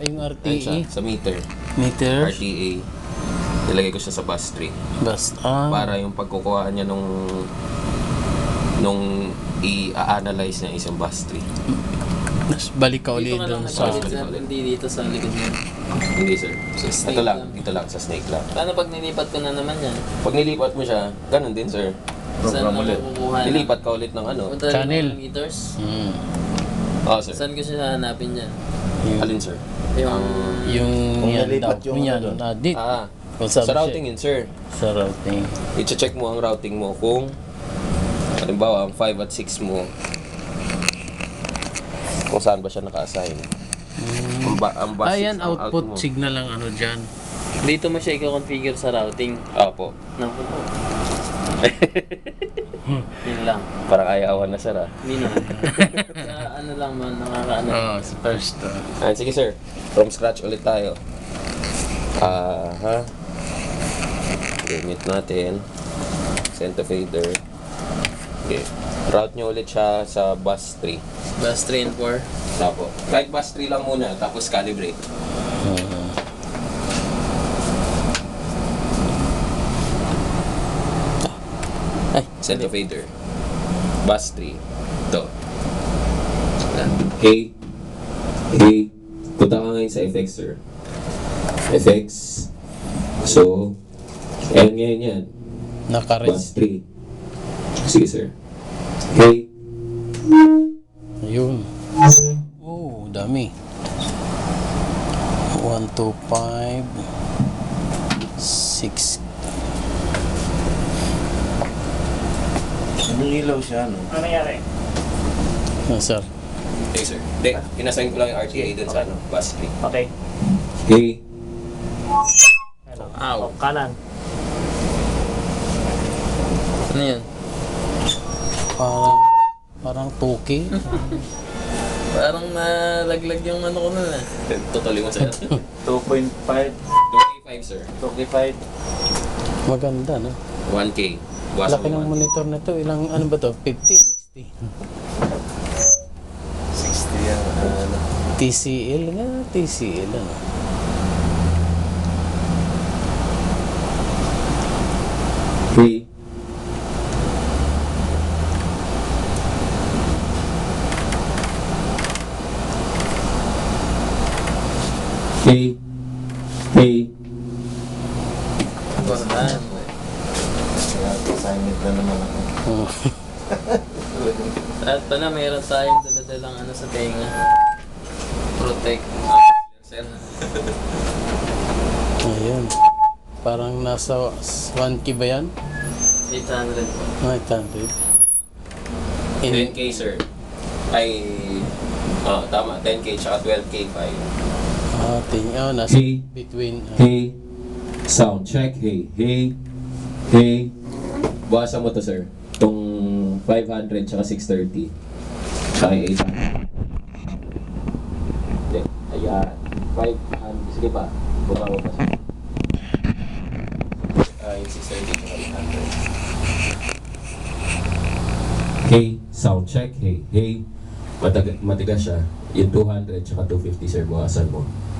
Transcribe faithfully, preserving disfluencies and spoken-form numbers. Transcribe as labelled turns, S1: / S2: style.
S1: yung R T
S2: Ayan siya,
S1: E.
S2: sa meter.
S1: Meter.
S2: R T A. Nilagay ko siya sa bus tree.
S1: Basta. Ah.
S2: Para yung pagkukuha niya nung nung i-analyze niya isang bus tree.
S1: Nas, balik ka ulit
S3: Dito ka
S1: doon
S3: lang
S1: sa...
S3: nagpalit, sir. Hindi dito sa likod niya.
S2: Hindi sir.
S3: Sa snake
S2: Ito lang,
S3: lang.
S2: dito lang sa snake lang.
S3: Paano pag nilipat ko na naman yan?
S2: Pag nilipat mo siya, ganun din sir.
S3: Saan
S4: Program
S3: ako
S4: ulit.
S3: kukuha na?
S2: Nilipat ka ulit ng ano.
S3: Punta rin
S1: Channel.
S3: ng meters?
S1: Hmm.
S2: Oo sir.
S3: Saan ko siya hanapin dyan?
S1: Yung,
S2: Alin sir?
S3: Yung...
S1: yung
S4: Kung
S1: yan
S4: nalipat
S1: daw.
S4: yung
S1: Yung yan.
S4: ano doon.
S1: Ah, dit.
S2: Ah,
S1: Kung sabi
S2: sa
S1: siya,
S2: routing yun sir.
S1: Sa routing.
S2: I-check mo ang routing mo kung halimbawa ang five at six mo kung saan ba siya naka-assign. Ang, ba, ang bus
S1: Ah,
S2: six,
S1: yan,
S2: ang out
S1: output
S2: mo.
S1: signal lang ano dyan.
S3: Dito mo siya i-configure sa routing.
S2: Opo.
S3: Naku po. Yun lang.
S2: Parang ayawan na sir ah.
S3: Hindi na. Sa ano lang man, nakakaano.
S1: Oh, sa first. Uh,
S2: Ah, sige sir. From scratch ulit tayo. Ah, ha. Gamit natin. Send to fader. Okay. Route nyo ulit siya sa bus three.
S3: Bus three and four.
S2: Tapo. Kahit bus three lang muna, tapos calibrate.
S1: uh, ay,
S2: Send to fader. Bus three. Ito. Hey. Hey. Punta ka ngayon sa F X, sir. F X. So, ayan ngayon yan.
S1: naka-red.
S2: Bus three. Sige, sir. Hey.
S1: Ayun. Oh, dami. one, two, five, six.
S4: Anong ilaw siya, no?
S5: Ano nangyari?
S1: Ah, sir.
S2: Hey, sir. Hindi, inassign ko lang yung R T A dun sa ano, bus three.
S5: Okay.
S2: Hey.
S5: Ano?
S3: Ow.
S5: Oh, kanan.
S3: Ano yun?
S1: Parang, parang tuki.
S3: Parang nalaglag yung ano ko na eh.
S2: Totally mo, sir.
S4: two point five,
S2: two K five, sir.
S4: two K five.
S1: Maganda, no?
S2: one K. Buwasan
S1: Laki
S2: mo
S1: ng
S2: one K.
S1: monitor na to. Ilang, ano ba to? fifty, sixty.
S4: sixty yan. Ano?
S1: T C L nga, T C L, ano?
S2: Hey. Hey. Hey.
S3: Basahan.
S4: Assignment na naman ako.
S1: Oh.
S3: At pala mayroon tayong daladalang ano sa tenga. Protect. Sir.
S1: Ayun. Parang nasa one K ba yan?
S3: eight hundred po.
S1: Ah, eight hundred.
S2: ten K, sir. Ay, oh, tama. ten K tsaka twelve K five.
S1: Ah, ting, oh, nasa
S2: Hey.
S1: between. ah,
S2: Hey. Sound check. Hey. Hey. Hey. Buwasan mo to, sir. Itong five hundred tsaka six thirty. Tsaka yung eight hundred. Hindi. Ayan. five hundred. Sige pa. Buka mo pa siya. Ah, yung six thirty tsaka eight hundred. Hey. Sound check. Hey. Hey. Matag matigas siya. Yung two hundred tsaka two fifty, sir. Buwasan mo.